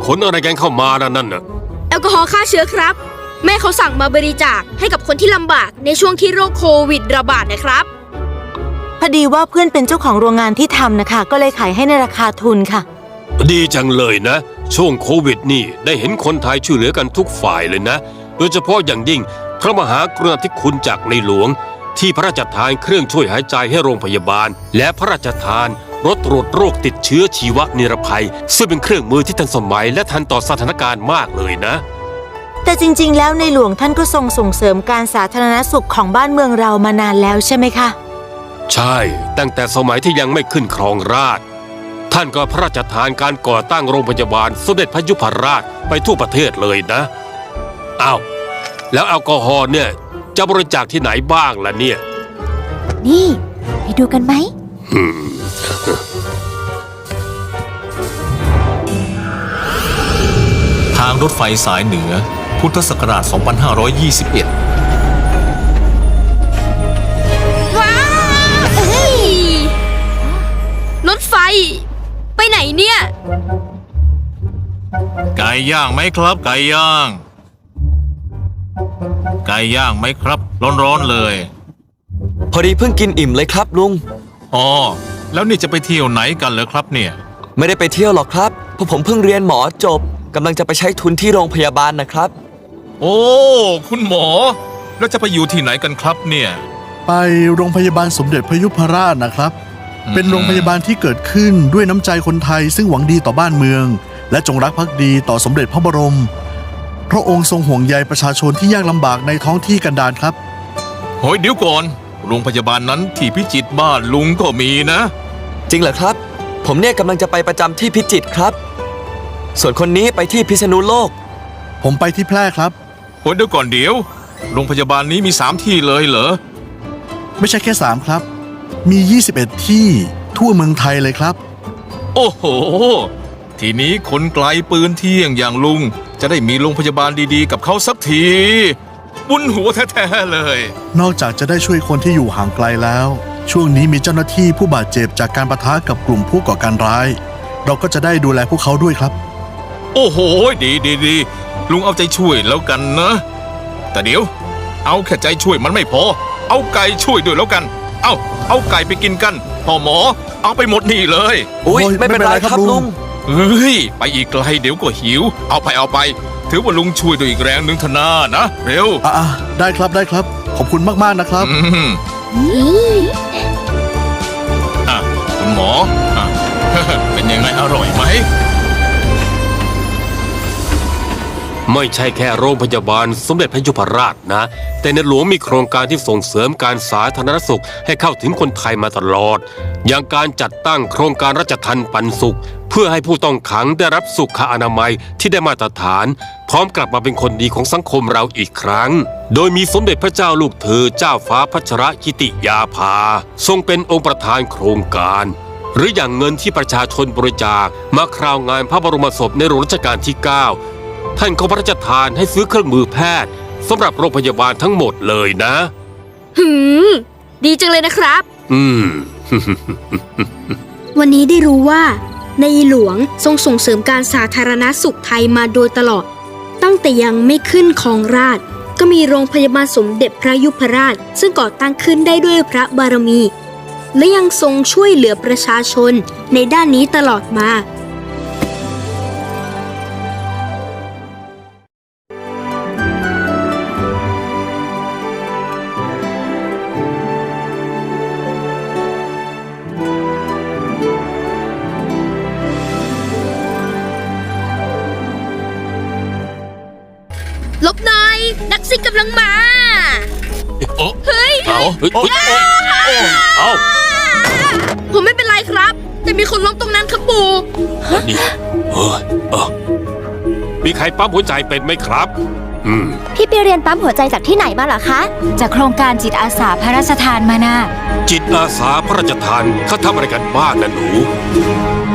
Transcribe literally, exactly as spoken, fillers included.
ขนอะไรกันเข้ามานั่นนั่นน่ะแอลกอฮอล์ฆ่าเชื้อครับแม่เขาสั่งมาบริจาคให้กับคนที่ลำบากในช่วงที่โรคโควิดระบาดนะครับพอดีว่าเพื่อนเป็นเจ้าของโรงงานที่ทำนะคะก็เลยขายให้ในราคาทุนค่ะดีจังเลยนะช่วงโควิดนี่ได้เห็นคนไทยช่วยเหลือกันทุกฝ่ายเลยนะโดยเฉพาะอย่างยิ่งพระมหากรุณาธิคุณจากในหลวงที่พระราชทานเครื่องช่วยหายใจให้โรงพยาบาลและพระราชทานรถตรวจโรคติดเชื้อชีวนิรภัยซึ่งเป็นเครื่องมือที่ทันสมัยและทันต่อสถานการณ์มากเลยนะแต่จริงๆแล้วในหลวงท่านก็ทรงส่งเสริมการสาธารณสุขของบ้านเมืองเรามานานแล้วใช่ไหมคะใช่ตั้งแต่สมัยที่ยังไม่ขึ้นครองราชย์ท่านก็พระราชทานการก่อตั้งโรงพยาบาลสมเด็จพระยุพราชไปทั่วประเทศเลยนะอ้าวแล้วแอลกอฮอล์เนี่ยจะบริจาคที่ไหนบ้างล่ะเนี่ยนี่ไปดูกันไหมทางรถไฟสายเหนือพุทธศักราช สองพันห้าร้อยยี่สิบเอ็ดว้าวเฮ้ยรถไฟไปไหนเนี่ยไก่ย่างไหมครับไก่ย่างไก่ย่างไหมครับร้อนๆเลยพอดีเพิ่งกินอิ่มเลยครับลุงอ๋อแล้วนี่จะไปเที่ยวไหนกันเหรอครับเนี่ยไม่ได้ไปเที่ยวหรอกครับเพราะผมเพิ่งเรียนหมอจบกำลังจะไปใช้ทุนที่โรงพยาบาลนะครับโอ้คุณหมอแล้วจะไปอยู่ที่ไหนกันครับเนี่ยไปโรงพยาบาลสมเด็จพระยุพราชนะครับเป็นโรงพยาบาลที่เกิดขึ้นด้วยน้ำใจคนไทยซึ่งหวังดีต่อบ้านเมืองและจงรักภักดีต่อสมเด็จพระบรมพระองค์ทรงห่วงใยประชาชนที่ยากลำบากในท้องที่กันดารครับโหยเดี๋ยวก่อนโรงพยาบาลนั้นที่พิจิตรบ้านลุงก็มีนะจริงเหรอครับผมเนี่ยกำลังจะไปประจำที่พิจิตรครับส่วนคนนี้ไปที่พิษณุโลกผมไปที่แพร่ครับโหยเดี๋ยวก่อนเดี๋ยวโรงพยาบาลนี้มีสามที่เลยเหรอไม่ใช่แค่สามครับมียี่สิบเอ็ดที่ทั่วเมืองไทยเลยครับโอ้โหทีนี้คนไกลปืนเที่ยงอย่างลุงจะได้มีโรงพยาบาลดีๆกับเขาสักทีบุญหัวแท้ๆเลยนอกจากจะได้ช่วยคนที่อยู่ห่างไกลแล้วช่วงนี้มีเจ้าหน้าที่ผู้บาดเจ็บจากการปะทะกับกลุ่มผู้ก่อการร้ายเราก็จะได้ดูแลพวกเขาด้วยครับโอ้โหดีดีดีลุงเอาใจช่วยแล้วกันนะแต่เดี๋ยวเอาแค่ใจช่วยมันไม่พอเอาไก่ช่วยด้วยแล้วกันเอาเอาไก่ไปกินกันพ่อหมอเอาไปหมดนี่เลยอุ้ยไม่เป็นไรครับลุงเฮ้ยไปอีกไกลเดี๋ยวก็หิวเอาไปเอาไปถือว่าลุงช่วยด้วยอีกแรงหนึ่งทนานะเร็วอ่ะได้ครับได้ครับขอบคุณมากๆนะครับอ่ะคุณหมออ่ะเป็นยังไงอร่อยไหมไม่ใช่แค่โรงพยาบาลสมเด็จพระยุพราชนะแต่ในหลวงมีโครงการที่ส่งเสริมการสาธารณสุขให้เข้าถึงคนไทยมาตลอดอย่างการจัดตั้งโครงการราชทัณฑ์ปันสุขเพื่อให้ผู้ต้องขังได้รับสุขอนามัยที่ได้มาตรฐานพร้อมกลับมาเป็นคนดีของสังคมเราอีกครั้งโดยมีสมเด็จพระเจ้าลูกเธอเจ้าฟ้าพัชรกิติยาภาทรงเป็นองค์ประธานโครงการหรืออย่างเงินที่ประชาชนบริจาคมาคราวงานพระบรมศพในหลวงรัชกาลที่เก้าท่านก็พระราชทานให้ซื้อเครื่องมือแพทย์สำหรับโรงพยาบาลทั้งหมดเลยนะหืมดีจังเลยนะครับอืมวันนี้ได้รู้ว่าในหลวงทรงส่งเสริมการสาธารณสุขไทยมาโดยตลอดตั้งแต่ยังไม่ขึ้นครองราชย์ก็มีโรงพยาบาลสมเด็จพระยุพราชซึ่งก่อตั้งขึ้นได้ด้วยพระบารมีและยังทรงช่วยเหลือประชาชนในด้านนี้ตลอดมาลบหน่อยนักซิ่งกำลังมาเฮ้ยเอาเฮ้ยเอาผมไม่เป็นไรครับแต่มีคนล้มตรงนั้นครับปู่นี่เออเออมีใครปั๊มหัวใจเป็นไหมครับอืมพี่ไปเรียนปั๊มหัวใจจากที่ไหนมาเหรอคะจากโครงการจิตอาสาพระราชทานมานะจิตอาสาพระราชทานเขาทำอะไรกันบ้างนะหนู